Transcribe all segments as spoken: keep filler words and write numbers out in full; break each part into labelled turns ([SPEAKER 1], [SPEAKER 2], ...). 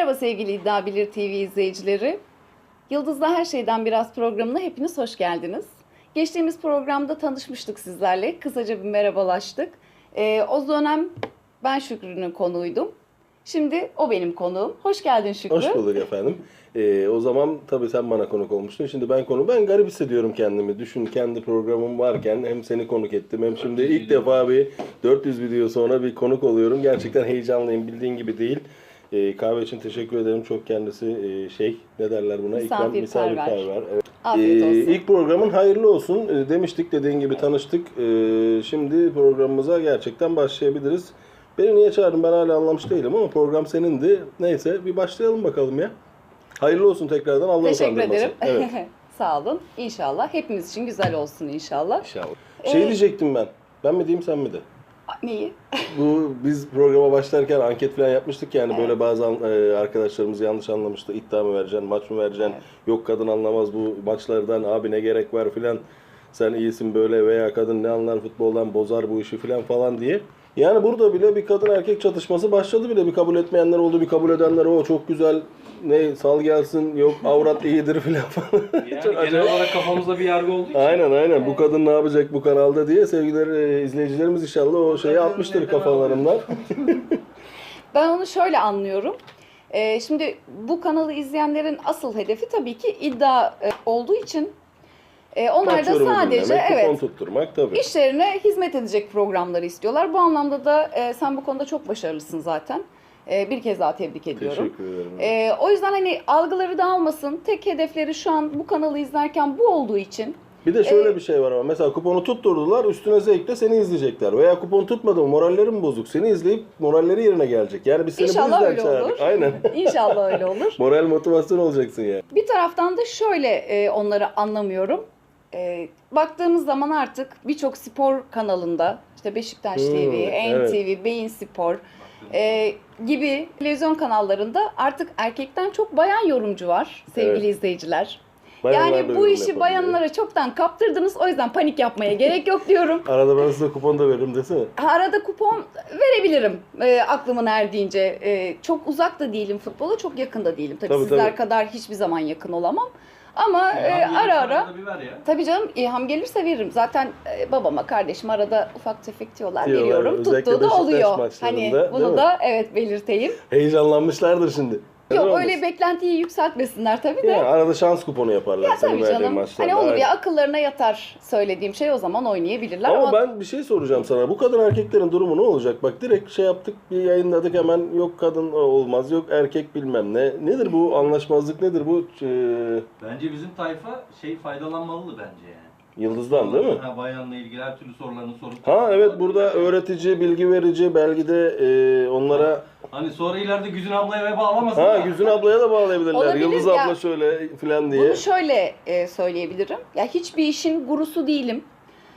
[SPEAKER 1] Merhaba sevgili İddia Bilir T V izleyicileri. Yıldız'da Her Şeyden Biraz programına hepiniz hoş geldiniz. Geçtiğimiz programda tanışmıştık sizlerle. Kısaca bir merhabalaştık. Ee, o dönem ben Şükrü'nün konuğuydum. Şimdi o benim konuğum. Hoş geldin Şükrü.
[SPEAKER 2] Hoş bulduk efendim. Ee, o zaman tabii sen bana konuk olmuştun. Şimdi ben konu. Ben garip hissediyorum kendimi. Düşün, kendi programım varken hem seni konuk ettim hem şimdi ilk defa bir dört yüz video sonra bir konuk oluyorum. Gerçekten heyecanlıyım. Bildiğin gibi değil. Ee, kahve için teşekkür ederim. Çok kendisi e, şey ne derler buna? İkram, misafirperver. Evet.
[SPEAKER 1] Afiyet olsun.
[SPEAKER 2] Ee, ilk programın hayırlı olsun ee, demiştik. Dediğin gibi tanıştık. Ee, şimdi programımıza gerçekten başlayabiliriz. Beni niye çağırdın ben hala anlamış değilim ama program senindi. Neyse bir başlayalım bakalım ya. Hayırlı olsun tekrardan, Allah
[SPEAKER 1] Teşekkür
[SPEAKER 2] utandırmasın.
[SPEAKER 1] ederim.
[SPEAKER 2] Evet.
[SPEAKER 1] Sağ olun. İnşallah. Hepimiz için güzel olsun inşallah.
[SPEAKER 2] İnşallah. Şey
[SPEAKER 1] Ee,
[SPEAKER 2] diyecektim ben. Ben mi diyeyim sen mi de?
[SPEAKER 1] Neyi?
[SPEAKER 2] Bu biz programa başlarken anket falan yapmıştık yani
[SPEAKER 1] Evet.
[SPEAKER 2] böyle bazı an- e, arkadaşlarımız yanlış anlamıştı. İddia mı vereceksin, maç mı vereceksin?
[SPEAKER 1] Evet.
[SPEAKER 2] Yok kadın anlamaz bu maçlardan, abi ne gerek var filan. Sen iyisin böyle veya kadın ne anlar futboldan, bozar bu işi filan falan diye. Yani burada bile bir kadın erkek çatışması başladı bile. Bir kabul etmeyenler oldu, bir kabul edenler o çok güzel ne sal gelsin, yok avrat iyidir filan falan.
[SPEAKER 3] Yani
[SPEAKER 2] Çok
[SPEAKER 3] genel
[SPEAKER 2] acayip.
[SPEAKER 3] olarak kafamızda bir yargı olduğu için.
[SPEAKER 2] Aynen aynen. Bu kadın ne yapacak bu kanalda diye sevgili e, izleyicilerimiz inşallah o şeyi
[SPEAKER 3] kadın
[SPEAKER 2] atmıştır
[SPEAKER 3] neden
[SPEAKER 2] kafalarından.
[SPEAKER 1] Ben onu şöyle anlıyorum. Ee, şimdi bu kanalı izleyenlerin asıl hedefi tabii ki iddia e, olduğu için e, onlar
[SPEAKER 2] Maç
[SPEAKER 1] da
[SPEAKER 2] yorumu
[SPEAKER 1] sadece
[SPEAKER 2] dinlemek, kupon
[SPEAKER 1] evet
[SPEAKER 2] tutturmak tabii.
[SPEAKER 1] işlerine hizmet edecek programları istiyorlar. Bu anlamda da e, sen bu konuda çok başarılısın zaten. E, bir kez daha tebrik ediyorum.
[SPEAKER 2] Teşekkür ederim.
[SPEAKER 1] E, o yüzden hani algıları dağılmasın. Tek hedefleri şu an bu kanalı izlerken bu olduğu için.
[SPEAKER 2] Bir de şöyle
[SPEAKER 1] e,
[SPEAKER 2] bir şey var ama mesela kuponu tutturdular üstüne zevkle seni izleyecekler. Veya kupon tutmadı mı moralleri mi bozuk seni izleyip moralleri yerine gelecek. Yani biz seni
[SPEAKER 1] İnşallah
[SPEAKER 2] bu
[SPEAKER 1] öyle
[SPEAKER 2] yüzden çağırdık.
[SPEAKER 1] olur.
[SPEAKER 2] Aynen.
[SPEAKER 1] İnşallah öyle olur.
[SPEAKER 2] Moral motivasyon olacaksın yani.
[SPEAKER 1] Bir taraftan da şöyle e, onları anlamıyorum. E, baktığımız zaman artık birçok spor kanalında işte Beşiktaş
[SPEAKER 2] Hmm,
[SPEAKER 1] T V,
[SPEAKER 2] evet.
[SPEAKER 1] N T V, Bein Spor e, gibi televizyon kanallarında artık erkekten çok bayan yorumcu var sevgili
[SPEAKER 2] Evet.
[SPEAKER 1] izleyiciler.
[SPEAKER 2] Bayanlar da
[SPEAKER 1] Yani bu
[SPEAKER 2] yorum
[SPEAKER 1] işi
[SPEAKER 2] yapabiliyor.
[SPEAKER 1] bayanlara çoktan kaptırdınız, o yüzden panik yapmaya gerek yok diyorum.
[SPEAKER 2] Arada ben size kupon da veririm desene.
[SPEAKER 1] Arada kupon verebilirim e, aklımın erdiğince. E, çok uzak da değilim futbola, çok yakın da değilim. Tabii,
[SPEAKER 2] Tabii,
[SPEAKER 1] sizler
[SPEAKER 2] tabii.
[SPEAKER 1] kadar hiçbir zaman yakın olamam. Ama e,
[SPEAKER 3] İlham
[SPEAKER 1] ara
[SPEAKER 3] gelirse
[SPEAKER 1] ara,
[SPEAKER 3] arada bir ver ya.
[SPEAKER 1] tabii canım ilham gelirse veririm. Zaten e, babama, kardeşime arada ufak tefek diyorlar,
[SPEAKER 2] Diyorlar,
[SPEAKER 1] veriyorum.
[SPEAKER 2] özellikle
[SPEAKER 1] Tuttuğu da
[SPEAKER 2] Beşiktaş
[SPEAKER 1] oluyor.
[SPEAKER 2] maçlarında,
[SPEAKER 1] Hani
[SPEAKER 2] değil
[SPEAKER 1] bunu
[SPEAKER 2] mi?
[SPEAKER 1] da evet belirteyim.
[SPEAKER 2] Heyecanlanmışlardır şimdi.
[SPEAKER 1] Yok
[SPEAKER 2] Neden
[SPEAKER 1] öyle
[SPEAKER 2] olmasın?
[SPEAKER 1] beklentiyi yükseltmesinler tabii de.
[SPEAKER 2] Yani arada şans kuponu yaparlar
[SPEAKER 1] Ya
[SPEAKER 2] senin
[SPEAKER 1] tabii
[SPEAKER 2] verdiğin
[SPEAKER 1] canım.
[SPEAKER 2] maçlarda.
[SPEAKER 1] Hani olur
[SPEAKER 2] Aynen.
[SPEAKER 1] ya akıllarına yatar söylediğim şey, o zaman oynayabilirler.
[SPEAKER 2] Ama,
[SPEAKER 1] Ama,
[SPEAKER 2] ben bir şey soracağım sana. Bu kadın erkeklerin durumu ne olacak? Bak direkt şey yaptık, bir yayınladık hemen yok kadın olmaz, yok erkek bilmem ne. Nedir bu anlaşmazlık nedir bu? Ee,
[SPEAKER 3] Bence bizim tayfa şey faydalanmalı bence yani.
[SPEAKER 2] Yıldız'dan değil mi?
[SPEAKER 3] Ha, bayanla ilgili her türlü sorularını sorup.
[SPEAKER 2] Ha evet burada öğretici, bilgi verici, belki de e, onlara
[SPEAKER 3] Hani sonra ileride Güzin ablaya ve bağlamasın.
[SPEAKER 2] ha
[SPEAKER 3] da.
[SPEAKER 2] Güzin ablaya da bağlayabilirler.
[SPEAKER 1] Olabilir
[SPEAKER 2] Yıldız
[SPEAKER 1] ya.
[SPEAKER 2] abla şöyle filan diye.
[SPEAKER 1] bunu şöyle e, söyleyebilirim. Ya hiçbir işin gurusu değilim.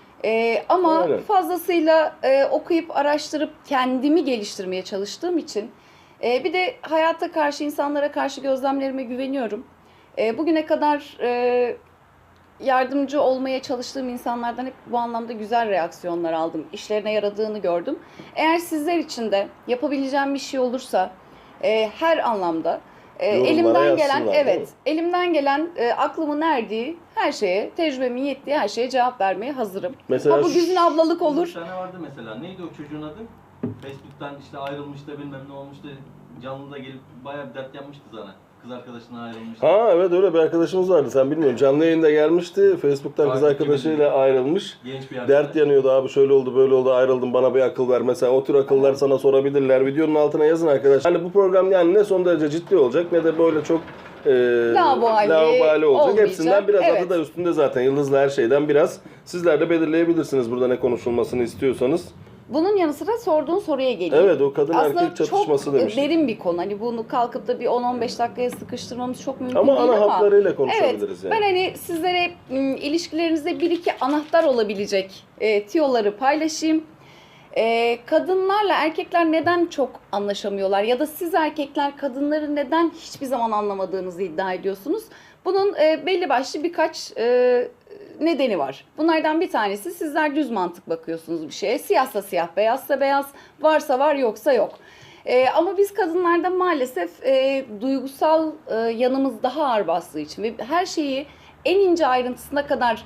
[SPEAKER 1] E, ama
[SPEAKER 2] Aynen.
[SPEAKER 1] fazlasıyla e, okuyup araştırıp kendimi geliştirmeye çalıştığım için e, bir de hayata karşı, insanlara karşı gözlemlerime güveniyorum. E, bugüne kadar e, yardımcı olmaya çalıştığım insanlardan hep bu anlamda güzel reaksiyonlar aldım. İşlerine yaradığını gördüm. Eğer sizler için de yapabileceğim bir şey olursa e, her anlamda e,
[SPEAKER 2] Yorumlara
[SPEAKER 1] elimden gelen
[SPEAKER 2] yazsınlar, değil mi?
[SPEAKER 1] evet elimden gelen e, aklımın erdiği her şeye, tecrübemin yettiği her şeye cevap vermeye hazırım.
[SPEAKER 2] Mesela
[SPEAKER 1] ha bu
[SPEAKER 2] şu-
[SPEAKER 1] Güzin ablalık
[SPEAKER 3] Bir
[SPEAKER 1] olur.
[SPEAKER 3] tane vardı mesela. Neydi o çocuğun adı? Facebook'tan işte ayrılmış da bilmem ne olmuş da canlıda gelip bayağı bir dert yapmıştı sana. Kız arkadaşına ayrılmıştı.
[SPEAKER 2] Ha evet öyle bir arkadaşımız vardı sen bilmiyorsun. Canlı yayında gelmişti. Facebook'tan kız
[SPEAKER 3] Takipçi
[SPEAKER 2] arkadaşıyla ayrılmış.
[SPEAKER 3] Genç bir
[SPEAKER 2] Dert
[SPEAKER 3] arkadaş.
[SPEAKER 2] yanıyordu abi şöyle oldu böyle oldu ayrıldım bana bir akıl ver. Mesela o tür akıllar sana sorabilirler. Videonun altına yazın arkadaşlar. Hani bu program yani ne son derece ciddi olacak ne de böyle çok e,
[SPEAKER 1] Laubali
[SPEAKER 2] laubali olacak.
[SPEAKER 1] olmayacak.
[SPEAKER 2] Hepsinden biraz
[SPEAKER 1] Evet.
[SPEAKER 2] adı da üstünde zaten. Yıldızlı her şeyden biraz. Sizler de belirleyebilirsiniz burada ne konuşulmasını istiyorsanız.
[SPEAKER 1] Bunun yanı sıra sorduğun soruya geleyim.
[SPEAKER 2] Evet o kadın
[SPEAKER 1] Aslında
[SPEAKER 2] erkek çatışması
[SPEAKER 1] çok
[SPEAKER 2] demiştik.
[SPEAKER 1] derin bir konu. Hani bunu kalkıp da bir on on beş dakikaya sıkıştırmamız çok mümkün
[SPEAKER 2] Ama
[SPEAKER 1] değil
[SPEAKER 2] ana
[SPEAKER 1] ama.
[SPEAKER 2] hatlarıyla konuşabiliriz
[SPEAKER 1] Evet,
[SPEAKER 2] yani.
[SPEAKER 1] ben hani sizlere m, ilişkilerinizde bir iki anahtar olabilecek e, tiyoları paylaşayım. E, kadınlarla erkekler neden çok anlaşamıyorlar ya da siz erkekler kadınları neden hiçbir zaman anlamadığınızı iddia ediyorsunuz? Bunun e, belli başlı birkaç e, nedeni var. Bunlardan bir tanesi sizler düz mantık bakıyorsunuz bir şeye. Siyahsa siyah, beyazsa beyaz, varsa var yoksa yok. E, ama biz kadınlarda maalesef e, duygusal e, yanımız daha ağır bastığı için ve her şeyi en ince ayrıntısına kadar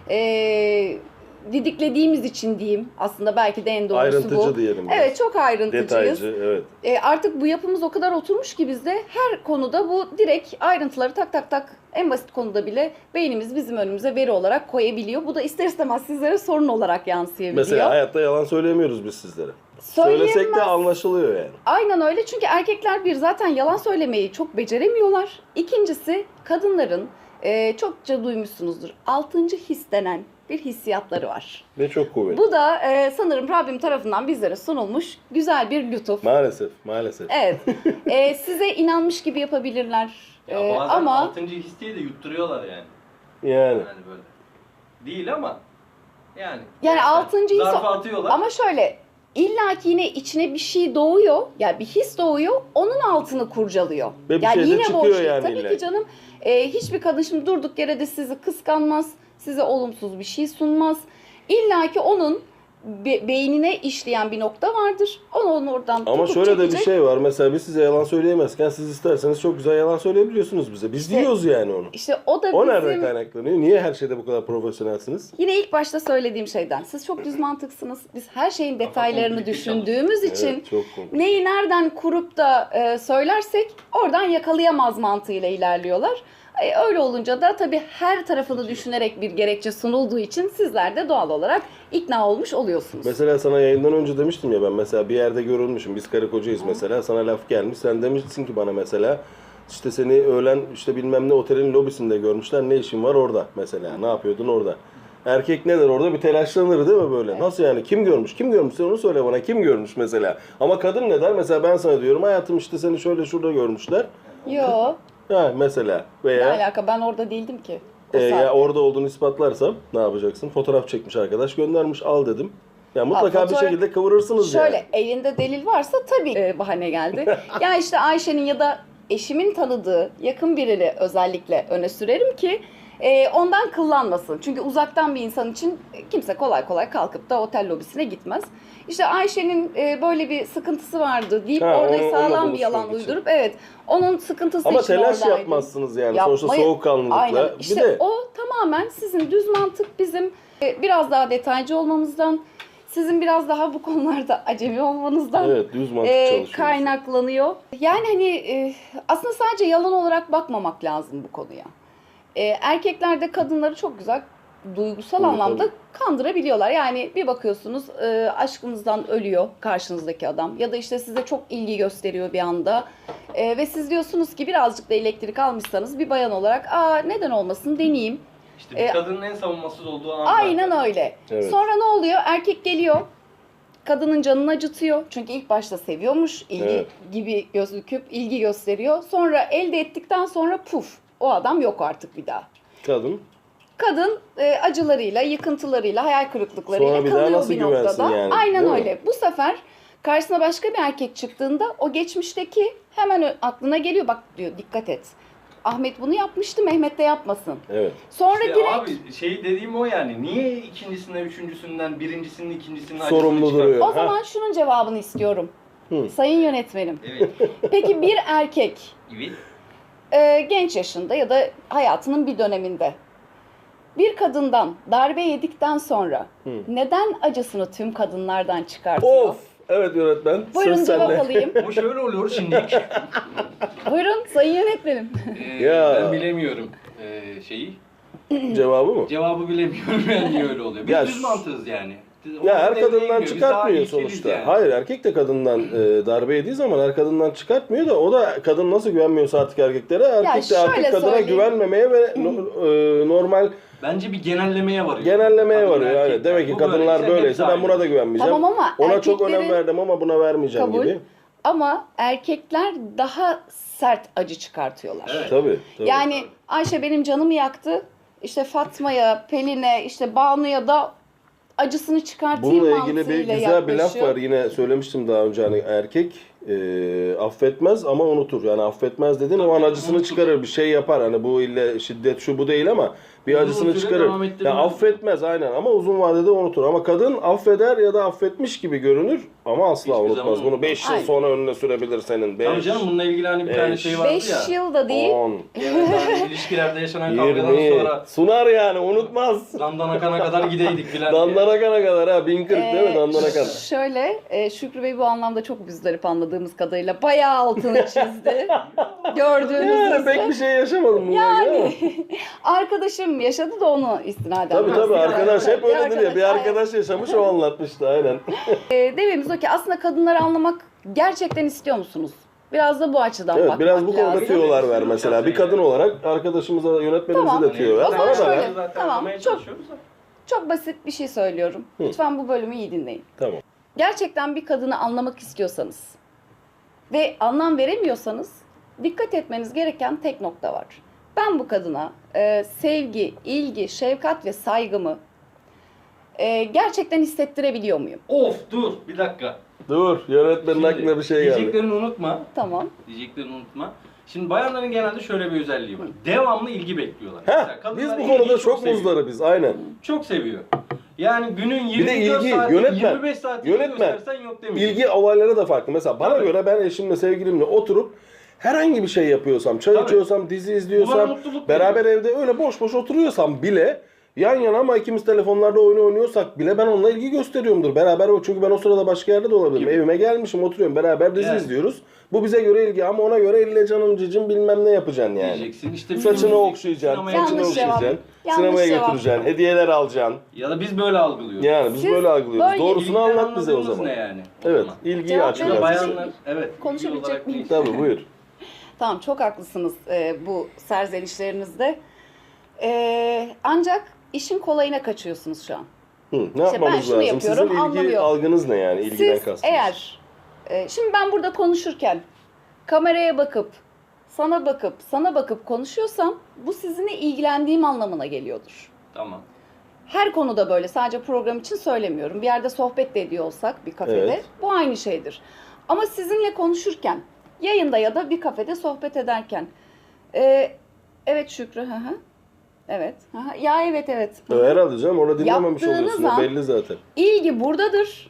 [SPEAKER 1] e, didiklediğimiz için diyeyim. Aslında belki de en doğrusu
[SPEAKER 2] Ayrıntıcı
[SPEAKER 1] bu.
[SPEAKER 2] diyelim. biraz.
[SPEAKER 1] Evet, çok ayrıntıcıyız.
[SPEAKER 2] Detaycı, evet.
[SPEAKER 1] E, artık bu yapımız o kadar oturmuş ki bizde her konuda bu direkt ayrıntıları tak tak tak en basit konuda bile beynimiz bizim önümüze veri olarak koyabiliyor. Bu da ister istemez sizlere sorun olarak yansıyabiliyor.
[SPEAKER 2] Mesela hayatta yalan söyleyemiyoruz biz sizlere.
[SPEAKER 1] Söyleyemez.
[SPEAKER 2] Söylesek de anlaşılıyor yani.
[SPEAKER 1] Aynen öyle, çünkü erkekler bir zaten yalan söylemeyi çok beceremiyorlar. İkincisi kadınların e, çokça duymuşsunuzdur, altıncı his denen bir hissiyatları var.
[SPEAKER 2] Ve çok kuvvetli.
[SPEAKER 1] Bu da e, sanırım Rabbim tarafından bizlere sunulmuş güzel bir lütuf.
[SPEAKER 2] Maalesef, maalesef.
[SPEAKER 1] Evet. E, size inanmış gibi yapabilirler.
[SPEAKER 3] Ya
[SPEAKER 1] E,
[SPEAKER 3] bazen
[SPEAKER 1] ama
[SPEAKER 3] altıncı his diye de yutturuyorlar yani.
[SPEAKER 2] Yani.
[SPEAKER 3] Yani böyle. Değil ama yani.
[SPEAKER 1] Yani altıncı his-
[SPEAKER 3] Zarfa atıyorlar.
[SPEAKER 1] ama şöyle, illaki yine içine bir şey doğuyor. Yani bir his doğuyor. Onun altını kurcalıyor.
[SPEAKER 2] Ve bir
[SPEAKER 1] yani
[SPEAKER 2] şey de
[SPEAKER 1] yine
[SPEAKER 2] çıkıyor
[SPEAKER 1] boş değil.
[SPEAKER 2] yani
[SPEAKER 1] Tabii
[SPEAKER 2] illaki.
[SPEAKER 1] ki canım. E, hiçbir kadın şimdi durduk yere de sizi kıskanmaz. Size olumsuz bir şey sunmaz. İlla ki onun be- beynine işleyen bir nokta vardır. Onu, onu oradan
[SPEAKER 2] Ama
[SPEAKER 1] tutup
[SPEAKER 2] şöyle de bir
[SPEAKER 1] çekecek.
[SPEAKER 2] şey var. Mesela biz size yalan söyleyemezken siz isterseniz çok güzel yalan söyleyebiliyorsunuz bize. Biz
[SPEAKER 1] İşte-
[SPEAKER 2] diyoruz yani onu.
[SPEAKER 1] İşte o da
[SPEAKER 2] O
[SPEAKER 1] bizim
[SPEAKER 2] nereden kaynaklanıyor? Niye her şeyde bu kadar profesyonelsiniz?
[SPEAKER 1] yine ilk başta söylediğim şeyden. Siz çok düz mantıksınız. Biz her şeyin detaylarını
[SPEAKER 3] komplike
[SPEAKER 1] düşündüğümüz için
[SPEAKER 2] Evet, çok komik.
[SPEAKER 1] neyi nereden kurup da e, söylersek oradan yakalayamaz mantığıyla ilerliyorlar. E, öyle olunca da tabii her tarafını düşünerek bir gerekçe sunulduğu için sizler de doğal olarak ikna olmuş oluyorsunuz.
[SPEAKER 2] Mesela sana yayından önce demiştim ya, ben mesela bir yerde görülmüşüm. Biz karı kocayız mesela. Sana laf gelmiş. Sen demişsin ki bana mesela, işte seni öğlen işte bilmem ne otelin lobisinde görmüşler. Ne işin var orada mesela? Ne yapıyordun orada? Erkek ne der orada? Bir telaşlanır değil mi böyle?
[SPEAKER 1] Evet.
[SPEAKER 2] Nasıl yani? Kim görmüş? Kim görmüş? Sen onu söyle bana. Kim görmüş mesela? Ama kadın ne der? Mesela ben sana diyorum, hayatım işte seni şöyle şurada görmüşler.
[SPEAKER 1] Yo,
[SPEAKER 2] Ha mesela.
[SPEAKER 1] ne
[SPEAKER 2] Veya
[SPEAKER 1] alaka, ben orada değildim ki. O
[SPEAKER 2] e, ya
[SPEAKER 1] saatte.
[SPEAKER 2] orada olduğunu ispatlarsam ne yapacaksın? Fotoğraf çekmiş arkadaş, göndermiş, al dedim. Ya mutlaka bir
[SPEAKER 1] fotoğraf-
[SPEAKER 2] şekilde kıvırırsınız
[SPEAKER 1] Şöyle
[SPEAKER 2] yani.
[SPEAKER 1] elinde delil varsa tabii e, bahane geldi. Ya işte Ayşe'nin ya da eşimin tanıdığı yakın birini özellikle öne sürerim ki e, ondan kıllanmasın. Çünkü uzaktan bir insan için kimse kolay kolay kalkıp da otel lobisine gitmez. İşte Ayşe'nin e, böyle bir sıkıntısı vardı deyip
[SPEAKER 2] Ha,
[SPEAKER 1] orada
[SPEAKER 2] onu- onunla
[SPEAKER 1] sağlam bir yalan
[SPEAKER 2] buluşmak için.
[SPEAKER 1] uydurup evet onun sıkıntısı
[SPEAKER 2] Ama
[SPEAKER 1] için
[SPEAKER 2] telaş
[SPEAKER 1] oradaydım.
[SPEAKER 2] yapmazsınız yani.
[SPEAKER 1] Yapmayı-
[SPEAKER 2] Sonuçta soğukkanlılıkla.
[SPEAKER 1] Aynen.
[SPEAKER 2] Bir
[SPEAKER 1] İşte
[SPEAKER 2] de
[SPEAKER 1] o tamamen sizin düz mantık, bizim e, biraz daha detaycı olmamızdan, sizin biraz daha bu konularda acemi olmanızdan
[SPEAKER 2] evet, düz mantık
[SPEAKER 1] e,
[SPEAKER 2] çalışıyoruz.
[SPEAKER 1] kaynaklanıyor. Yani hani e, aslında sadece yalan olarak bakmamak lazım bu konuya. E, erkekler de kadınları çok güzel duygusal
[SPEAKER 2] Duygusal.
[SPEAKER 1] anlamda kandırabiliyorlar. Yani bir bakıyorsunuz e, aşkınızdan ölüyor karşınızdaki adam ya da işte size çok ilgi gösteriyor bir anda. E, ve siz diyorsunuz ki birazcık da elektrik almışsanız bir bayan olarak aa neden olmasın deneyeyim.
[SPEAKER 3] İşte bir
[SPEAKER 1] E,
[SPEAKER 3] kadının en savunmasız olduğu an.
[SPEAKER 1] Aynen
[SPEAKER 3] zaten.
[SPEAKER 1] öyle.
[SPEAKER 2] Evet.
[SPEAKER 1] Sonra ne oluyor? Erkek geliyor. Kadının canını acıtıyor. Çünkü ilk başta seviyormuş. İlgi
[SPEAKER 2] Evet.
[SPEAKER 1] gibi gözüküp ilgi gösteriyor. Sonra elde ettikten sonra puf. O adam yok artık bir daha.
[SPEAKER 2] Kadın.
[SPEAKER 1] Kadın e, acılarıyla, yıkıntılarıyla, hayal kırıklıklarıyla
[SPEAKER 2] Sonra bir daha
[SPEAKER 1] kalıyor
[SPEAKER 2] nasıl
[SPEAKER 1] bir
[SPEAKER 2] güvensin
[SPEAKER 1] noktada.
[SPEAKER 2] yani,
[SPEAKER 1] Aynen
[SPEAKER 2] değil mi?
[SPEAKER 1] öyle. Bu sefer karşısına başka bir erkek çıktığında o geçmişteki hemen ö- aklına geliyor. Bak diyor, dikkat et. Ahmet bunu yapmıştı, Mehmet de yapmasın.
[SPEAKER 2] Evet.
[SPEAKER 1] Sonra
[SPEAKER 3] İşte
[SPEAKER 1] direkt
[SPEAKER 3] abi şey dediğim o yani. Niye ikincisinden, üçüncüsünden, birincisinin, ikincisinin acısını
[SPEAKER 2] Sorumlu
[SPEAKER 3] çıkar-
[SPEAKER 2] duruyor.
[SPEAKER 1] o
[SPEAKER 2] Ha.
[SPEAKER 1] zaman şunun cevabını istiyorum.
[SPEAKER 2] Hı.
[SPEAKER 1] Sayın yönetmenim.
[SPEAKER 3] Evet.
[SPEAKER 1] Peki bir erkek
[SPEAKER 3] Evet.
[SPEAKER 1] e, genç yaşında ya da hayatının bir döneminde bir kadından darbe yedikten sonra
[SPEAKER 2] Hı.
[SPEAKER 1] neden acısını tüm kadınlardan çıkartıyor?
[SPEAKER 2] Of! Evet yönetmen.
[SPEAKER 1] Buyurun
[SPEAKER 2] Söz
[SPEAKER 1] cevap
[SPEAKER 2] sende.
[SPEAKER 1] alayım.
[SPEAKER 3] Bu şöyle oluyor şimdilik.
[SPEAKER 1] Buyurun sayın yönetmenim.
[SPEAKER 3] Ee,
[SPEAKER 2] Ya.
[SPEAKER 3] Ben bilemiyorum ee, şeyi.
[SPEAKER 2] Cevabı mı?
[SPEAKER 3] Cevabı bilemiyorum yani niye öyle oluyor. Biz
[SPEAKER 2] Ya
[SPEAKER 3] düz
[SPEAKER 2] şu-
[SPEAKER 3] mantığız yani.
[SPEAKER 2] Ya her
[SPEAKER 3] Onun devreye
[SPEAKER 2] kadından
[SPEAKER 3] giriyor. Biz
[SPEAKER 2] çıkartmıyor
[SPEAKER 3] daha ilkeliyiz
[SPEAKER 2] sonuçta.
[SPEAKER 3] yani.
[SPEAKER 2] Hayır, erkek de kadından e, darbe yediği zaman her kadından çıkartmıyor da o da kadın nasıl güvenmiyorsa artık erkeklere, erkek de
[SPEAKER 1] şöyle
[SPEAKER 2] artık kadına
[SPEAKER 1] söyleyeyim.
[SPEAKER 2] güvenmemeye ve no- e, normal
[SPEAKER 3] Bence bir genellemeye varıyor.
[SPEAKER 2] genellemeye
[SPEAKER 3] Kadın,
[SPEAKER 2] varıyor.
[SPEAKER 3] erkek.
[SPEAKER 2] Yani. Demek ki
[SPEAKER 3] Bu
[SPEAKER 2] kadınlar
[SPEAKER 3] böyleyse
[SPEAKER 2] böyleyse
[SPEAKER 3] hepsi
[SPEAKER 2] ben buna da
[SPEAKER 3] aynı.
[SPEAKER 2] güvenmeyeceğim.
[SPEAKER 1] Tamam ama
[SPEAKER 2] Ona çok önem
[SPEAKER 1] erkeklerin-
[SPEAKER 2] verdim ama buna vermeyeceğim
[SPEAKER 1] Kabul.
[SPEAKER 2] gibi.
[SPEAKER 1] Ama erkekler daha sert acı çıkartıyorlar.
[SPEAKER 3] Evet.
[SPEAKER 2] Tabii. tabii.
[SPEAKER 1] Yani Ayşe benim canımı yaktı. İşte Fatma'ya, Pelin'e, işte Banu'ya da acısını çıkartayım
[SPEAKER 2] Bununla ilgili bir
[SPEAKER 1] mantığıyla
[SPEAKER 2] güzel bir laf
[SPEAKER 1] yaklaşıyor.
[SPEAKER 2] var. Yine söylemiştim daha önce, hani erkek e, affetmez ama unutur. Yani affetmez dedin o an acısını çıkarır, bir şey yapar. Hani bu ille şiddet şu bu değil ama bir
[SPEAKER 3] Uzun
[SPEAKER 2] acısını
[SPEAKER 3] süre
[SPEAKER 2] çıkarır.
[SPEAKER 3] devam ettirmez.
[SPEAKER 2] Yani affetmez aynen ama uzun vadede unutur. Ama kadın affeder ya da affetmiş gibi görünür ama asla
[SPEAKER 3] Hiçbir
[SPEAKER 2] unutmaz.
[SPEAKER 3] zaman
[SPEAKER 2] Bunu beş yıl
[SPEAKER 1] Aynen.
[SPEAKER 2] sonra önüne sürebilir senin.
[SPEAKER 3] Tabii
[SPEAKER 2] beş,
[SPEAKER 3] canım bununla ilgili hani bir tane
[SPEAKER 2] beş,
[SPEAKER 3] şey vardı ya.
[SPEAKER 1] beş yıl da değil.
[SPEAKER 2] on,
[SPEAKER 3] Genelde hani ilişkilerde yaşanan kavgadan
[SPEAKER 2] yirmi.
[SPEAKER 3] sonra
[SPEAKER 2] Sunar yani unutmaz.
[SPEAKER 3] dandana kana kadar gideydik filan diye.
[SPEAKER 2] Dandana kana kadar ha. bin kırk değil mi?
[SPEAKER 1] Ee,
[SPEAKER 2] Dandana kana.
[SPEAKER 1] Şöyle, e, Şükrü Bey bu anlamda çok bizdarip anladığımız kadarıyla bayağı altını çizdi. Gördüğünüz
[SPEAKER 2] Yani
[SPEAKER 1] üzere.
[SPEAKER 2] pek bir şey yaşamadım. bununla
[SPEAKER 1] Yani
[SPEAKER 2] ilgili
[SPEAKER 1] arkadaşım yaşadı da onu istinaden.
[SPEAKER 2] ama. Tabii tabii
[SPEAKER 1] bahsediyorum.
[SPEAKER 2] arkadaş hep
[SPEAKER 1] Bir
[SPEAKER 2] öyledir ya. Bir
[SPEAKER 1] aynen.
[SPEAKER 2] arkadaş yaşamış o anlatmıştı aynen.
[SPEAKER 1] E, dememiz o ki aslında kadınları anlamak gerçekten istiyor musunuz? Biraz da bu açıdan
[SPEAKER 2] Evet
[SPEAKER 1] bakmak
[SPEAKER 2] biraz bu konuda
[SPEAKER 1] lazım.
[SPEAKER 2] tüyolar ver mesela. Bir kadın olarak arkadaşımıza, yönetmenimize
[SPEAKER 1] Tamam.
[SPEAKER 2] de tüyo ver.
[SPEAKER 1] O zaman
[SPEAKER 2] Bana da
[SPEAKER 1] şöyle.
[SPEAKER 2] ver.
[SPEAKER 3] Zaten
[SPEAKER 1] Tamam,
[SPEAKER 3] anlamaya
[SPEAKER 1] çok-
[SPEAKER 3] çalışıyoruz da.
[SPEAKER 1] Çok basit bir şey söylüyorum.
[SPEAKER 2] Hı.
[SPEAKER 1] Lütfen bu bölümü iyi dinleyin.
[SPEAKER 2] Tamam.
[SPEAKER 1] Gerçekten bir kadını anlamak istiyorsanız ve anlam veremiyorsanız dikkat etmeniz gereken tek nokta var. Ben bu kadına e, sevgi, ilgi, şefkat ve saygımı e, gerçekten hissettirebiliyor muyum?
[SPEAKER 3] Of dur bir dakika.
[SPEAKER 2] Dur yönetmenin
[SPEAKER 3] Şimdi,
[SPEAKER 2] aklına bir şey geldi.
[SPEAKER 3] Diyeceklerini unutma.
[SPEAKER 1] Tamam.
[SPEAKER 3] Diyeceklerini unutma. Şimdi bayanların genelde şöyle bir özelliği var. Devamlı ilgi bekliyorlar.
[SPEAKER 2] Heh,
[SPEAKER 3] Mesela kadınlar
[SPEAKER 2] biz bu
[SPEAKER 3] ilgiyi
[SPEAKER 2] konuda çok
[SPEAKER 3] seviyor.
[SPEAKER 2] muzdarı biz aynen.
[SPEAKER 3] Çok seviyor. Yani günün
[SPEAKER 2] Bir de
[SPEAKER 3] yirmi dört
[SPEAKER 2] ilgi,
[SPEAKER 3] saati,
[SPEAKER 2] yönetmen,
[SPEAKER 3] yirmi beş saati
[SPEAKER 2] yönetmen.
[SPEAKER 3] göstersen yok demeyecek.
[SPEAKER 2] İlgi olayları da farklı. Mesela bana
[SPEAKER 3] Tabii.
[SPEAKER 2] göre ben eşimle, sevgilimle oturup herhangi bir şey yapıyorsam, çay
[SPEAKER 3] Tabii.
[SPEAKER 2] içiyorsam, dizi
[SPEAKER 3] Bu bana
[SPEAKER 2] izliyorsam,
[SPEAKER 3] mutluluk
[SPEAKER 2] beraber evde öyle boş boş oturuyorsam bile yan yana ama ikimiz telefonlarda oyun oynuyorsak bile ben onunla ilgi gösteriyorumdur. Beraber o çünkü ben o sırada başka yerde de olabilirim.
[SPEAKER 3] Gibi.
[SPEAKER 2] Evime gelmişim, oturuyorum. Beraber dizi
[SPEAKER 3] Yani.
[SPEAKER 2] izliyoruz. Bu bize göre ilgi ama ona göre elle canım cicim bilmem ne yapacaksın yani.
[SPEAKER 3] Diyeceksin. İşte
[SPEAKER 2] Saçını
[SPEAKER 3] bizim-
[SPEAKER 2] okşayacaksın,
[SPEAKER 3] sinemaya
[SPEAKER 2] saçını
[SPEAKER 1] Yanlış cevap.
[SPEAKER 2] okşayacaksın,
[SPEAKER 1] Yanlış
[SPEAKER 2] sinemaya
[SPEAKER 1] cevap.
[SPEAKER 2] götüreceksin, hediyeler alacaksın.
[SPEAKER 3] Ya da biz böyle algılıyoruz.
[SPEAKER 2] Yani biz
[SPEAKER 1] Siz
[SPEAKER 2] böyle algılıyoruz.
[SPEAKER 1] böyle-
[SPEAKER 2] Doğrusunu
[SPEAKER 3] İlgiden
[SPEAKER 2] anlat bize o
[SPEAKER 3] anladığımız
[SPEAKER 2] zaman.
[SPEAKER 3] ne yani? O
[SPEAKER 2] Evet,
[SPEAKER 3] zaman.
[SPEAKER 2] ilgiyi
[SPEAKER 1] Cevap
[SPEAKER 2] aç
[SPEAKER 1] verin.
[SPEAKER 2] biraz.
[SPEAKER 3] Bayanlar evet ilgi
[SPEAKER 1] Konuşabilecek
[SPEAKER 3] olarak
[SPEAKER 1] miyim?
[SPEAKER 3] değil.
[SPEAKER 2] Tabii buyur.
[SPEAKER 1] Tamam, çok haklısınız e, bu serzenişlerinizde. E, ancak işin kolayına kaçıyorsunuz şu an.
[SPEAKER 2] Hı, ne
[SPEAKER 1] İşte ben
[SPEAKER 2] yapmamız
[SPEAKER 1] şunu
[SPEAKER 2] lazım?
[SPEAKER 1] yapıyorum,
[SPEAKER 2] Sizin ilgi
[SPEAKER 1] anlamıyor.
[SPEAKER 2] algınız ne yani? İlgiden
[SPEAKER 1] Siz
[SPEAKER 2] kastınız.
[SPEAKER 1] eğer, e, şimdi ben burada konuşurken kameraya bakıp, sana bakıp, sana bakıp konuşuyorsam bu sizinle ilgilendiğim anlamına geliyordur.
[SPEAKER 3] Tamam.
[SPEAKER 1] Her konuda böyle, sadece program için söylemiyorum. Bir yerde sohbet de ediyor olsak bir kafede
[SPEAKER 2] Evet.
[SPEAKER 1] bu aynı şeydir. Ama sizinle konuşurken, yayında ya da bir kafede sohbet ederken, e, evet Şükrü, hı hı. Evet. Hı hı. Ya evet evet.
[SPEAKER 2] E, Herhalde canım orada dinlememiş
[SPEAKER 1] Yaptığınız
[SPEAKER 2] oluyorsun. O
[SPEAKER 1] an-
[SPEAKER 2] belli zaten.
[SPEAKER 1] İlgi buradadır.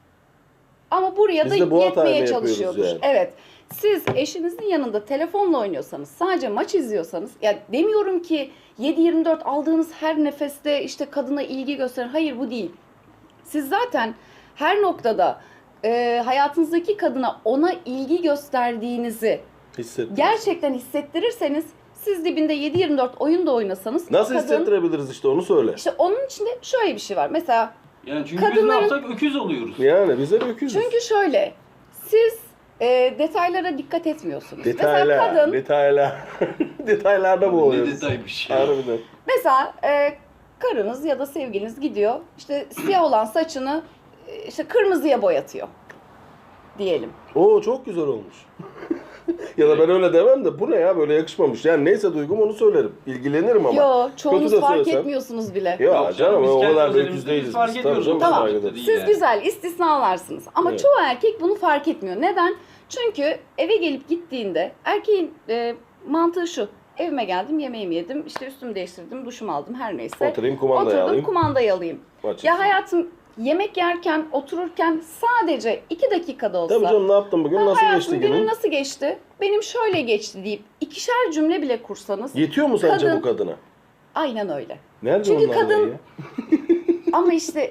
[SPEAKER 1] Ama buraya
[SPEAKER 2] Biz
[SPEAKER 1] da
[SPEAKER 2] de bu hatayı
[SPEAKER 1] yetmeye
[SPEAKER 2] mı yapıyoruz
[SPEAKER 1] çalışıyordur.
[SPEAKER 2] yani?
[SPEAKER 1] Evet. Siz eşinizin yanında telefonla oynuyorsanız, sadece maç izliyorsanız, ya demiyorum ki yedi yirmi dört aldığınız her nefeste işte kadına ilgi gösterin. Hayır, bu değil. Siz zaten her noktada e, hayatınızdaki kadına ona ilgi gösterdiğinizi
[SPEAKER 2] Hissettim.
[SPEAKER 1] gerçekten hissettirirseniz, siz dibinde yedi yirmi dört oyun da oynasanız
[SPEAKER 2] Nasıl
[SPEAKER 1] kadın,
[SPEAKER 2] hissettirebiliriz işte onu söyle.
[SPEAKER 1] işte onun içinde şöyle bir şey var. Mesela
[SPEAKER 3] Yani çünkü biz ne
[SPEAKER 1] Kadınların-
[SPEAKER 3] yapsak öküz oluyoruz.
[SPEAKER 2] Yani bize bir öküzüz.
[SPEAKER 1] çünkü şöyle, siz e, detaylara dikkat etmiyorsunuz. Mesela
[SPEAKER 2] Detaylar,
[SPEAKER 1] kadın,
[SPEAKER 2] detaylar. Detaylarda bu
[SPEAKER 3] Ne
[SPEAKER 2] oluyor.
[SPEAKER 3] detaymış ya.
[SPEAKER 2] Harbiden.
[SPEAKER 1] mesela e, karınız ya da sevgiliniz gidiyor, işte siyah olan saçını e, işte kırmızıya boyatıyor diyelim.
[SPEAKER 2] Oo çok güzel olmuş. ya da ben öyle demem de bu ne ya böyle yakışmamış. Yani neyse duygum onu söylerim. İlgilenirim ama.
[SPEAKER 1] Yo, çoğunuz
[SPEAKER 2] Kötü de
[SPEAKER 1] fark
[SPEAKER 2] söylesem-
[SPEAKER 1] etmiyorsunuz bile.
[SPEAKER 2] Ya
[SPEAKER 3] Yok
[SPEAKER 2] canım
[SPEAKER 3] biz
[SPEAKER 2] o
[SPEAKER 3] kendi
[SPEAKER 2] kadar da
[SPEAKER 3] özelimizde
[SPEAKER 2] öküz
[SPEAKER 3] biz
[SPEAKER 2] değiliz
[SPEAKER 3] fark
[SPEAKER 2] biz.
[SPEAKER 3] ediyoruz.
[SPEAKER 2] canım,
[SPEAKER 1] Tamam.
[SPEAKER 2] saygı ederiz.
[SPEAKER 3] Değil
[SPEAKER 1] Siz
[SPEAKER 3] yani.
[SPEAKER 1] güzel, istisnalarsınız. Ama
[SPEAKER 2] Evet.
[SPEAKER 1] çoğu erkek bunu fark etmiyor. Neden? Çünkü eve gelip gittiğinde erkeğin e, mantığı şu. Evime geldim, yemeğimi yedim, işte üstümü değiştirdim, duşumu aldım, her neyse.
[SPEAKER 2] Oturayım kumandayı
[SPEAKER 1] Oturdum,
[SPEAKER 2] alayım.
[SPEAKER 1] kumandayı alayım.
[SPEAKER 2] Maç
[SPEAKER 1] Ya
[SPEAKER 2] izleyeyim.
[SPEAKER 1] hayatım, yemek yerken, otururken sadece iki dakikada olsa.
[SPEAKER 2] Tabii canım ne yaptın bugün?
[SPEAKER 1] "Ha,
[SPEAKER 2] Nasıl
[SPEAKER 1] hayatım,
[SPEAKER 2] geçti
[SPEAKER 1] günün
[SPEAKER 2] günün?
[SPEAKER 1] nasıl geçti? Benim şöyle geçti deyip ikişer cümle bile kursanız.
[SPEAKER 2] Yetiyor mu sence
[SPEAKER 1] Kadın-
[SPEAKER 2] bu kadına?
[SPEAKER 1] Aynen öyle.
[SPEAKER 2] Nerede
[SPEAKER 1] Çünkü
[SPEAKER 2] onlar
[SPEAKER 1] kadın-
[SPEAKER 2] ya?
[SPEAKER 1] Ama işte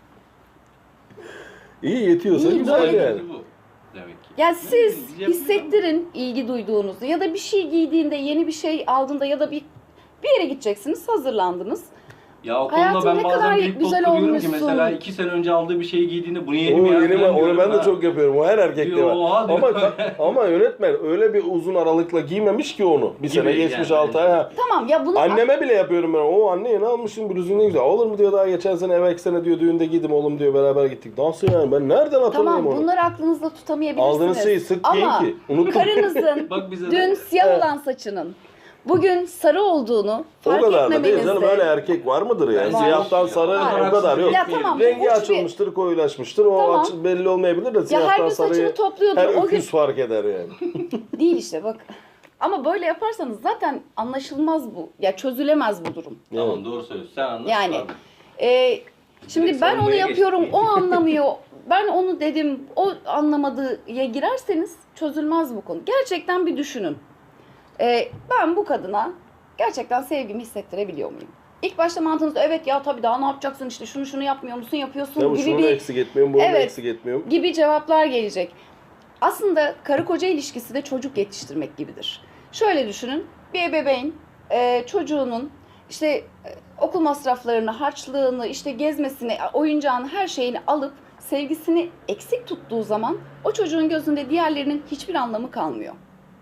[SPEAKER 2] İyi yetiyorsa
[SPEAKER 1] İyi,
[SPEAKER 2] güzel
[SPEAKER 1] böyle-
[SPEAKER 2] yani.
[SPEAKER 3] Bu demek ki.
[SPEAKER 1] ya siz
[SPEAKER 3] Yapabilir
[SPEAKER 1] hissettirin ilgi duyduğunuzu, ya da bir şey giydiğinde, yeni bir şey aldığında ya da bir bir yere gideceksiniz, hazırlandınız.
[SPEAKER 3] Ya o
[SPEAKER 1] Hayatım
[SPEAKER 3] konuda ben
[SPEAKER 1] ne
[SPEAKER 3] bazen
[SPEAKER 1] kadar
[SPEAKER 3] büyük
[SPEAKER 1] güzel
[SPEAKER 3] bok kuruyorum ki
[SPEAKER 1] olmuşsun.
[SPEAKER 3] mesela iki sene önce aldığı bir şeyi giydiğinde bunu yeni
[SPEAKER 2] O
[SPEAKER 3] mi ya?
[SPEAKER 2] yeni mi?
[SPEAKER 3] falan
[SPEAKER 2] Onu
[SPEAKER 3] diyorum
[SPEAKER 2] ben de
[SPEAKER 3] ha.
[SPEAKER 2] çok yapıyorum. O her erkekte
[SPEAKER 3] Diyor,
[SPEAKER 2] var.
[SPEAKER 3] oha diyor.
[SPEAKER 2] Ama ama yönetmen öyle bir uzun aralıkla giymemiş ki onu. Bir
[SPEAKER 3] Gibi
[SPEAKER 2] sene geçmiş
[SPEAKER 3] yani.
[SPEAKER 2] altı ay. ha.
[SPEAKER 1] Tamam ya, bunu
[SPEAKER 2] Anneme bile yapıyorum ben. O anne yeni almışsın bluzun ne güzel. Olur mu diyor daha geçen sene evvelki sene diyor düğünde giydim oğlum diyor beraber gittik. Nasıl yani ben nereden hatırlayayım
[SPEAKER 1] tamam,
[SPEAKER 2] onu?
[SPEAKER 1] bunları aklınızda tutamayabilirsiniz.
[SPEAKER 2] Aldığınız şeyi sık giyin
[SPEAKER 1] Ama
[SPEAKER 2] ki. Unuttum.
[SPEAKER 1] karınızın
[SPEAKER 3] Bak bize de-
[SPEAKER 1] dün siyah
[SPEAKER 2] Evet.
[SPEAKER 1] olan saçının bugün sarı olduğunu
[SPEAKER 2] O
[SPEAKER 1] fark
[SPEAKER 2] kadar da değil
[SPEAKER 1] etmemenizde.
[SPEAKER 2] canım, öyle erkek var mıdır yani?
[SPEAKER 3] Var.
[SPEAKER 2] Siyahtan sarı
[SPEAKER 3] Var.
[SPEAKER 2] o kadar yok.
[SPEAKER 1] Ya tamam, bu
[SPEAKER 2] Rengi
[SPEAKER 1] uç bir-
[SPEAKER 2] açılmıştır, koyulaşmıştır. O
[SPEAKER 1] Tamam.
[SPEAKER 2] açı belli olmayabilir de
[SPEAKER 1] Ya her
[SPEAKER 2] siyahtan
[SPEAKER 1] gün saçını
[SPEAKER 2] sarıyı
[SPEAKER 1] topluyordur.
[SPEAKER 2] her
[SPEAKER 1] O gün
[SPEAKER 2] öküz fark eder yani.
[SPEAKER 1] değil işte bak. Ama böyle yaparsanız zaten anlaşılmaz bu. Ya çözülemez bu durum.
[SPEAKER 3] Tamam, doğru söylüyorsun. Sen anlat.
[SPEAKER 1] Yani
[SPEAKER 3] Abi.
[SPEAKER 1] e, şimdi
[SPEAKER 3] Direkt
[SPEAKER 1] ben onu
[SPEAKER 3] savunmaya
[SPEAKER 1] yapıyorum,
[SPEAKER 3] geçtik.
[SPEAKER 1] o anlamıyor. Ben onu dedim, o anlamadıya girerseniz çözülmez bu konu. Gerçekten bir düşünün. E, ben bu kadına gerçekten sevgimi hissettirebiliyor muyum? İlk başta mantığınızda evet ya tabii daha ne yapacaksın işte şunu şunu yapmıyor musun yapıyorsun
[SPEAKER 2] Ya bu
[SPEAKER 1] gibi
[SPEAKER 2] şunu
[SPEAKER 1] bir
[SPEAKER 2] eksik etmiyorum, bunu
[SPEAKER 1] Evet.
[SPEAKER 2] eksik etmiyorum.
[SPEAKER 1] gibi cevaplar gelecek. Aslında karı koca ilişkisi de çocuk yetiştirmek gibidir. Şöyle düşünün, bir ebeveyn e, çocuğunun işte e, okul masraflarını, harçlığını, işte gezmesini, oyuncağını, her şeyini alıp sevgisini eksik tuttuğu zaman o çocuğun gözünde diğerlerinin hiçbir anlamı kalmıyor.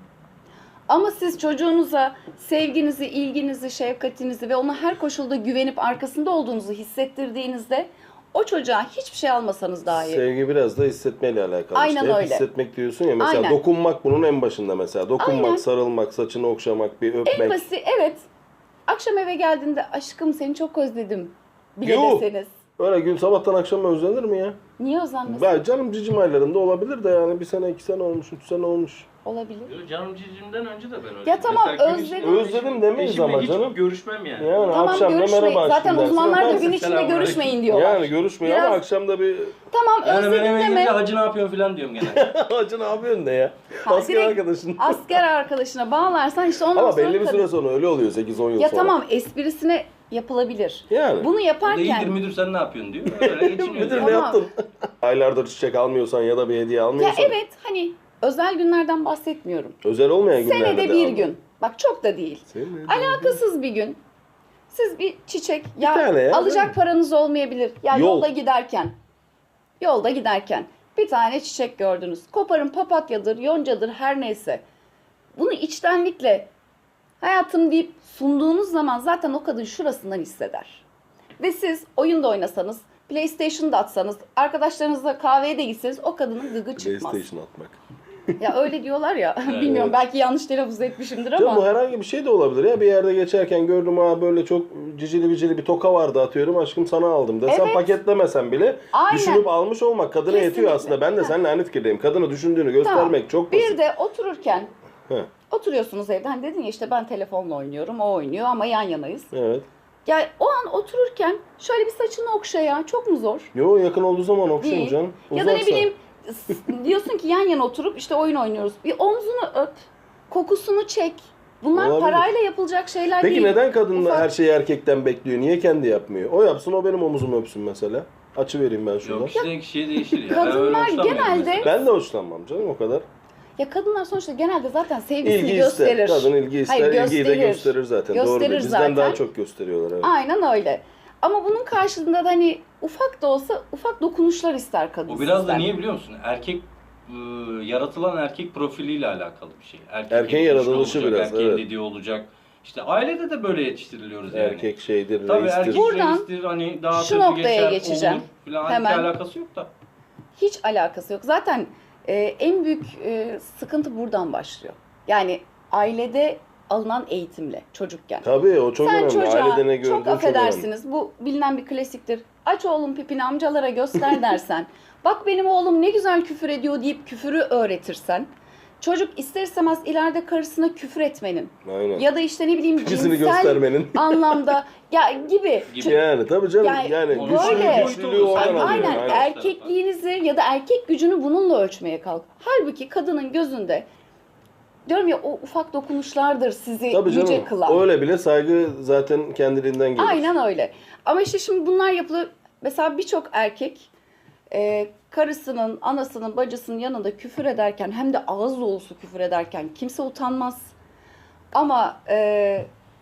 [SPEAKER 1] Ama siz çocuğunuza sevginizi, ilginizi, şefkatinizi ve ona her koşulda güvenip arkasında olduğunuzu hissettirdiğinizde o çocuğa hiçbir şey almasanız dahi.
[SPEAKER 2] Sevgi biraz da hissetmeyle alakalı.
[SPEAKER 1] Aynen
[SPEAKER 2] işte. Hep
[SPEAKER 1] öyle.
[SPEAKER 2] hissetmek diyorsun ya mesela,
[SPEAKER 1] Aynen.
[SPEAKER 2] dokunmak bunun en başında mesela. Dokunmak,
[SPEAKER 1] Aynen.
[SPEAKER 2] sarılmak, saçını okşamak, bir öpmek.
[SPEAKER 1] En basit, evet. Akşam eve geldiğinde aşkım seni çok özledim bile
[SPEAKER 2] Yuh!
[SPEAKER 1] deseniz.
[SPEAKER 2] Öyle gün sabahtan akşama özlenir mi ya?
[SPEAKER 1] Niye özenmesin?
[SPEAKER 2] Ben canım cicim aylarında olabilir de yani bir sene, iki sene olmuş, üç sene olmuş.
[SPEAKER 1] Olabilir.
[SPEAKER 3] Yo, Canım cicimden önce de ben öyle.
[SPEAKER 1] Ya tamam,
[SPEAKER 3] Mesela gün
[SPEAKER 1] özledim.
[SPEAKER 3] içinde
[SPEAKER 2] Özledim
[SPEAKER 3] eşim-
[SPEAKER 2] demeyiz
[SPEAKER 3] eşimle
[SPEAKER 2] ama
[SPEAKER 3] hiç
[SPEAKER 2] canım.
[SPEAKER 3] görüşmem yani.
[SPEAKER 2] Yani
[SPEAKER 1] Tamam
[SPEAKER 2] akşam da
[SPEAKER 1] görüşmeyin.
[SPEAKER 2] merhaba
[SPEAKER 1] Zaten
[SPEAKER 2] aşkım
[SPEAKER 1] uzmanlar da
[SPEAKER 2] dersin.
[SPEAKER 1] gün içinde
[SPEAKER 3] Selamünaleyküm.
[SPEAKER 1] görüşmeyin diyorlar.
[SPEAKER 2] Yani görüşmüyor ama
[SPEAKER 1] Biraz-
[SPEAKER 2] akşam da bir
[SPEAKER 1] Tamam
[SPEAKER 3] Yani ben
[SPEAKER 1] özledim
[SPEAKER 3] eve
[SPEAKER 1] deme.
[SPEAKER 3] gidince hacı ne yapıyorsun falan diyorum gene.
[SPEAKER 2] hacı ne yapıyorsun ne ya?
[SPEAKER 1] Ha,
[SPEAKER 2] Asker
[SPEAKER 1] direkt
[SPEAKER 2] arkadaşın.
[SPEAKER 1] Asker arkadaşına bağlarsan işte ondan
[SPEAKER 2] Ama
[SPEAKER 1] sonra
[SPEAKER 2] belli bir
[SPEAKER 1] kadın-
[SPEAKER 2] süre sonra öyle oluyor, sekiz on yıl
[SPEAKER 1] Ya
[SPEAKER 2] sonra.
[SPEAKER 1] tamam esprisine yapılabilir.
[SPEAKER 2] Yani.
[SPEAKER 1] Bunu
[SPEAKER 3] O da iyidir
[SPEAKER 1] yaparken
[SPEAKER 3] müdür sen ne yapıyorsun diyor. Öyle geçiniyor.
[SPEAKER 2] Müdür
[SPEAKER 3] yani.
[SPEAKER 2] ne
[SPEAKER 1] Tamam.
[SPEAKER 2] yaptın? Aylardır çiçek almıyorsan ya da bir hediye
[SPEAKER 1] ya
[SPEAKER 2] almıyorsan.
[SPEAKER 1] evet hani özel günlerden bahsetmiyorum.
[SPEAKER 2] Özel olmayan günlerde
[SPEAKER 1] Senede
[SPEAKER 2] de
[SPEAKER 1] bir
[SPEAKER 2] al.
[SPEAKER 1] gün. Bak çok da değil.
[SPEAKER 2] Senede
[SPEAKER 1] Alakasız bir gün. Siz bir çiçek ya
[SPEAKER 2] tane ya,
[SPEAKER 1] alacak
[SPEAKER 2] değil mi?
[SPEAKER 1] paranız olmayabilir. Ya
[SPEAKER 2] Yol.
[SPEAKER 1] yolda giderken. Yolda giderken bir tane çiçek gördünüz. Koparın papatyadır, yoncadır her neyse. Bunu içtenlikle hayatım deyip sunduğunuz zaman zaten o kadın şurasından hisseder. Ve siz oyunda oynasanız, PlayStation'da atsanız, arkadaşlarınızla kahveye de gitseniz o kadının gıgı çıkmaz.
[SPEAKER 2] PlayStation atmak.
[SPEAKER 1] Ya öyle diyorlar ya. Bilmiyorum belki yanlış telaffuz etmişimdir
[SPEAKER 2] Canım bu
[SPEAKER 1] ama.
[SPEAKER 2] herhangi bir şey de olabilir ya. Bir yerde geçerken gördüm, ha böyle çok cicili bicili bir toka vardı atıyorum, aşkım sana aldım desem,
[SPEAKER 1] Evet.
[SPEAKER 2] paketlemesen bile
[SPEAKER 1] Aynen.
[SPEAKER 2] düşünüp almış olmak kadına yetiyor
[SPEAKER 1] Kesinlikle.
[SPEAKER 2] aslında. Ben de
[SPEAKER 1] Ha.
[SPEAKER 2] seninle aynı fikirdeyim. Kadını düşündüğünü göstermek çok basit.
[SPEAKER 1] Bir de otururken
[SPEAKER 2] He,
[SPEAKER 1] oturuyorsunuz evde. Hani dedin ya işte ben telefonla oynuyorum, o oynuyor ama yan yanayız.
[SPEAKER 2] evet.
[SPEAKER 1] Ya o an otururken şöyle bir saçını okşa ya. Çok mu zor?
[SPEAKER 2] Yo, yakın olduğu zaman okşayayım
[SPEAKER 1] Değil.
[SPEAKER 2] canım.
[SPEAKER 1] Ya da ne
[SPEAKER 2] Uzaksa.
[SPEAKER 1] bileyim s- diyorsun ki yan yana oturup işte oyun oynuyoruz. Bir omzunu öp, kokusunu çek. Bunlar
[SPEAKER 2] Olabilir.
[SPEAKER 1] parayla yapılacak şeyler
[SPEAKER 2] Peki
[SPEAKER 1] değil.
[SPEAKER 2] neden kadın
[SPEAKER 1] Ufak-
[SPEAKER 2] her şeyi erkekten bekliyor? Niye kendi yapmıyor? O yapsın, o benim omuzumu öpsün mesela. Açı vereyim ben şuradan.
[SPEAKER 3] Yok kişiden kişiye değişir ya.
[SPEAKER 1] Kadınlar
[SPEAKER 3] Ben öyle hoşlanmıyorum
[SPEAKER 1] genelde-
[SPEAKER 3] mesela.
[SPEAKER 2] Ben de hoşlanmam canım o kadar.
[SPEAKER 1] Ya kadınlar sonuçta genelde zaten sevgisini
[SPEAKER 2] İlgi
[SPEAKER 1] gösterir.
[SPEAKER 2] ister. Kadın ilgi ister.
[SPEAKER 1] Hayır,
[SPEAKER 2] İlgiyi de
[SPEAKER 1] gösterir.
[SPEAKER 2] gösterir zaten. Doğru
[SPEAKER 1] Gösterir
[SPEAKER 2] değil. Bizden
[SPEAKER 1] zaten.
[SPEAKER 2] daha çok gösteriyorlar. Evet.
[SPEAKER 1] Aynen öyle. Ama bunun karşılığında da hani ufak da olsa ufak dokunuşlar ister kadın
[SPEAKER 3] O biraz da
[SPEAKER 1] sizden.
[SPEAKER 3] niye biliyor musun? Erkek ıı, yaratılan erkek profiliyle alakalı bir şey. Erkek
[SPEAKER 2] Erkeğin
[SPEAKER 3] yetişmiş
[SPEAKER 2] yaratılışı
[SPEAKER 3] olacak,
[SPEAKER 2] biraz,
[SPEAKER 3] erkeğin
[SPEAKER 2] evet.
[SPEAKER 3] dediği olacak. İşte ailede de böyle yetiştiriliyoruz yani.
[SPEAKER 2] Erkek şeydir,
[SPEAKER 3] Tabii
[SPEAKER 2] reistir.
[SPEAKER 3] erkek
[SPEAKER 1] Buradan
[SPEAKER 3] reistir, hani daha
[SPEAKER 1] şu
[SPEAKER 3] sözü
[SPEAKER 1] noktaya
[SPEAKER 3] geçer,
[SPEAKER 1] geçeceğim.
[SPEAKER 3] olur falan.
[SPEAKER 1] Hemen.
[SPEAKER 3] Halbuki alakası yok da.
[SPEAKER 1] Hiç alakası yok. Zaten e, en büyük e, sıkıntı buradan başlıyor. Yani ailede alınan eğitimle çocukken.
[SPEAKER 2] Tabii o çok
[SPEAKER 1] Sen
[SPEAKER 2] önemli.
[SPEAKER 1] çocuğa
[SPEAKER 2] Ailede ne gördüğün
[SPEAKER 1] çok
[SPEAKER 2] çok önemli.
[SPEAKER 1] affedersiniz. Bu bilinen bir klasiktir. Aç oğlum pipini amcalara göster dersen. Bak benim oğlum ne güzel küfür ediyor deyip küfürü öğretirsen. Çocuk ister istemez ileride karısına küfür etmenin.
[SPEAKER 2] Aynen.
[SPEAKER 1] Ya da işte ne bileyim
[SPEAKER 2] Pipisini
[SPEAKER 1] cinsel
[SPEAKER 2] göstermenin.
[SPEAKER 1] anlamda ya gibi.
[SPEAKER 3] Gibi.
[SPEAKER 2] Yani tabii canım.
[SPEAKER 1] Yani
[SPEAKER 2] Yani,
[SPEAKER 3] Onu
[SPEAKER 2] güçlü,
[SPEAKER 1] böyle-
[SPEAKER 2] güçlülüğü oradan
[SPEAKER 3] Aynen,
[SPEAKER 2] alıyor.
[SPEAKER 1] Aynen
[SPEAKER 2] Aynen.
[SPEAKER 1] erkekliğinizi ya da erkek gücünü bununla ölçmeye kalk. Halbuki kadının gözünde diyorum ya o ufak dokunuşlardır sizi
[SPEAKER 2] Tabii
[SPEAKER 1] yüce
[SPEAKER 2] canım.
[SPEAKER 1] kılan.
[SPEAKER 2] Öyle bile saygı zaten kendiliğinden gelir.
[SPEAKER 1] Aynen öyle. Ama işte şimdi bunlar yapılıyor. Mesela birçok erkek e, karısının, anasının, bacısının yanında küfür ederken hem de ağız dolusu küfür ederken kimse utanmaz. Ama e,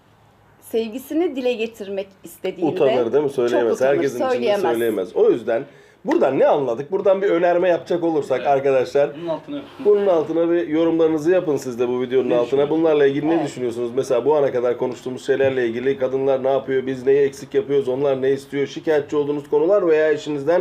[SPEAKER 1] sevgisini dile getirmek istediğinde
[SPEAKER 2] Utanır değil mi? Söyleyemez.
[SPEAKER 1] çok utanır,
[SPEAKER 2] Herkesin içinde
[SPEAKER 1] söyleyemez.
[SPEAKER 2] söyleyemez. O yüzden buradan ne anladık? Buradan bir önerme yapacak olursak
[SPEAKER 3] Evet.
[SPEAKER 2] arkadaşlar.
[SPEAKER 3] Bunun altına
[SPEAKER 2] Bunun altına bir yorumlarınızı yapın siz de bu videonun
[SPEAKER 3] Ne
[SPEAKER 2] altına.
[SPEAKER 3] düşünüyorsunuz?
[SPEAKER 2] Bunlarla ilgili ne
[SPEAKER 1] Evet.
[SPEAKER 2] düşünüyorsunuz? Mesela bu ana kadar konuştuğumuz şeylerle ilgili kadınlar ne yapıyor? Biz neyi eksik yapıyoruz? Onlar ne istiyor? Şikayetçi olduğunuz konular veya eşinizden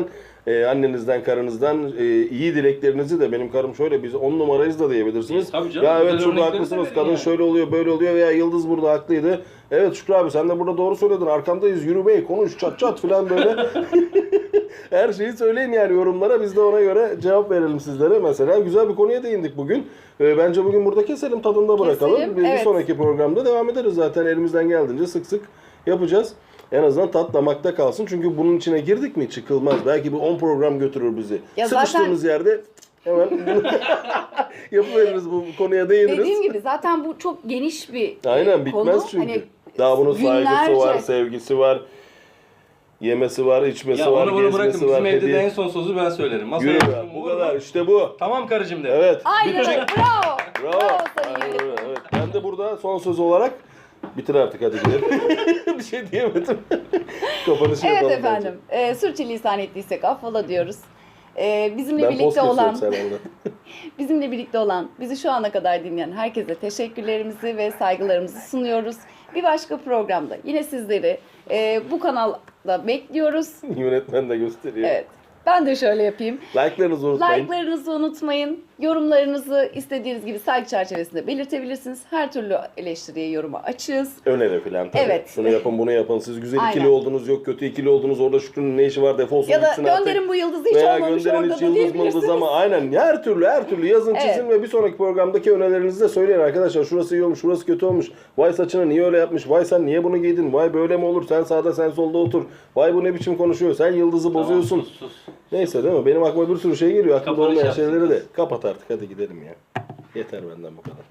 [SPEAKER 2] Ee, annenizden, karınızdan e, iyi dileklerinizi de benim karım şöyle biz on numarayız da diyebilirsiniz.
[SPEAKER 4] E, tabii canım,
[SPEAKER 2] Ya evet
[SPEAKER 4] güzel
[SPEAKER 2] şurada
[SPEAKER 4] örnekleri de
[SPEAKER 2] haklısınız.
[SPEAKER 4] verin
[SPEAKER 2] Kadın
[SPEAKER 4] yani.
[SPEAKER 2] şöyle oluyor, böyle oluyor veya Yıldız burada haklıydı. Evet Şükrü abi sen de burada doğru söyledin. Arkandayız. Yürü bey, konuş, çat çat falan böyle. Her şeyi söyleyin yani yorumlara. Biz de ona göre cevap verelim sizlere. Mesela güzel bir konuya değindik bugün. Ee, bence bugün burada keselim, tadında bırakalım.
[SPEAKER 1] Keselim,
[SPEAKER 2] Bir, bir
[SPEAKER 1] evet.
[SPEAKER 2] sonraki programda devam ederiz zaten. Elimizden geldiğince sık sık yapacağız. En azından tat damakta kalsın. Çünkü bunun içine girdik mi çıkılmaz. Belki bir on program götürür bizi.
[SPEAKER 1] Ya
[SPEAKER 2] Sıkıştığımız yerde hemen yapıveririz, bu konuya değiniriz.
[SPEAKER 1] Dediğim gibi zaten bu çok geniş bir e,
[SPEAKER 2] Aynen bitmez
[SPEAKER 1] konu.
[SPEAKER 2] çünkü.
[SPEAKER 1] Hani
[SPEAKER 2] Daha bunun saygısı
[SPEAKER 1] günlerce-
[SPEAKER 2] var, sevgisi var. Yemesi var, içmesi
[SPEAKER 4] Ya
[SPEAKER 2] var,
[SPEAKER 4] onu bunu bırakın.
[SPEAKER 2] gezmesi var.
[SPEAKER 4] Bizim evde de
[SPEAKER 2] hediye-
[SPEAKER 4] en son sözü ben söylerim. Masaya
[SPEAKER 2] Yürü be,
[SPEAKER 4] otururum,
[SPEAKER 2] bu
[SPEAKER 4] vururum.
[SPEAKER 2] kadar işte bu.
[SPEAKER 4] Tamam karıcığım de.
[SPEAKER 2] Evet.
[SPEAKER 1] Aynen öyle. Bravo.
[SPEAKER 2] Bravo.
[SPEAKER 1] Bravo sayın
[SPEAKER 2] Aynen
[SPEAKER 1] yönetmenim.
[SPEAKER 2] öyle, evet. Ben de burada son söz olarak bitir artık hadi gidelim. Bir şey diyemedim. Kapanışı
[SPEAKER 1] Evet
[SPEAKER 2] yapalım
[SPEAKER 1] efendim. E, sürçülisan ettiysek affola diyoruz. E, bizimle
[SPEAKER 2] bence. Ben post
[SPEAKER 1] birlikte olan,
[SPEAKER 2] kesiyorum sen orada.
[SPEAKER 1] bizimle birlikte olan, bizi şu ana kadar dinleyen herkese teşekkürlerimizi ve saygılarımızı sunuyoruz. Bir başka programda yine sizleri e, bu kanalda bekliyoruz.
[SPEAKER 2] Yönetmen de gösteriyor.
[SPEAKER 1] Evet. Ben de şöyle yapayım.
[SPEAKER 2] Like'larınızı unutmayın.
[SPEAKER 1] Like'larınızı unutmayın. Yorumlarınızı istediğiniz gibi saygı çerçevesinde belirtebilirsiniz. Her türlü eleştiriye, yoruma açığız.
[SPEAKER 2] Öneri falan tabii.
[SPEAKER 1] Evet.
[SPEAKER 2] Şunu yapın, bunu yapın. Siz güzel
[SPEAKER 1] Aynen.
[SPEAKER 2] ikili oldunuz, yok kötü ikili oldunuz. Orada Şükrü'nün ne işi var, defolsun
[SPEAKER 1] Ya da
[SPEAKER 2] gitsin artık.
[SPEAKER 1] gönderin bu yıldızı hiç
[SPEAKER 2] Veya
[SPEAKER 1] olmamış
[SPEAKER 2] gönderin
[SPEAKER 1] orada
[SPEAKER 2] hiç
[SPEAKER 1] da
[SPEAKER 2] yıldız mıldız
[SPEAKER 1] diyebilirsiniz.
[SPEAKER 2] ama aynen her türlü her türlü yazın
[SPEAKER 1] Evet.
[SPEAKER 2] çizin ve bir sonraki programdaki önerilerinizi de söyleyin arkadaşlar. Şurası iyi olmuş, şurası kötü olmuş. Vay saçını niye öyle yapmış? Vay sen niye bunu giydin? Vay böyle mi olur? Sen sağda sen solda otur. Vay bu ne biçim konuşuyor? Sen yıldızı
[SPEAKER 4] Tamam,
[SPEAKER 2] bozuyorsun.
[SPEAKER 4] sus, sus.
[SPEAKER 2] Neyse değil mi? Benim aklıma bir sürü şey geliyor. Aklımda
[SPEAKER 4] Kapanış
[SPEAKER 2] olmayan
[SPEAKER 4] yapsın
[SPEAKER 2] şeyleri de.
[SPEAKER 4] kız.
[SPEAKER 2] Kapat artık hadi gidelim ya. Yeter benden bu kadar.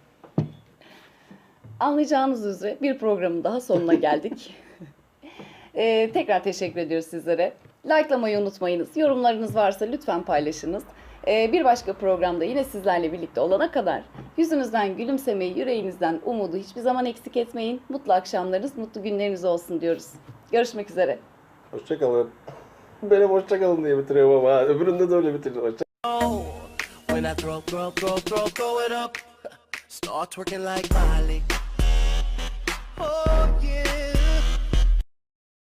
[SPEAKER 1] Anlayacağınız üzere bir programın daha sonuna geldik. Ee, tekrar teşekkür ediyoruz sizlere. Like'lamayı unutmayınız. Yorumlarınız varsa lütfen paylaşınız. Ee, bir başka programda yine sizlerle birlikte olana kadar yüzünüzden gülümsemeyi, yüreğinizden umudu hiçbir zaman eksik etmeyin. Mutlu akşamlarınız, mutlu günleriniz olsun diyoruz. Görüşmek üzere.
[SPEAKER 2] Hoşçakalın. Benim hoşçakalın diye bitiriyorum ama ha. Öbüründe de öyle bitiriyorum. Hoşça-
[SPEAKER 5] When I throw, throw, throw, throw, throw it up, start twerking like Miley.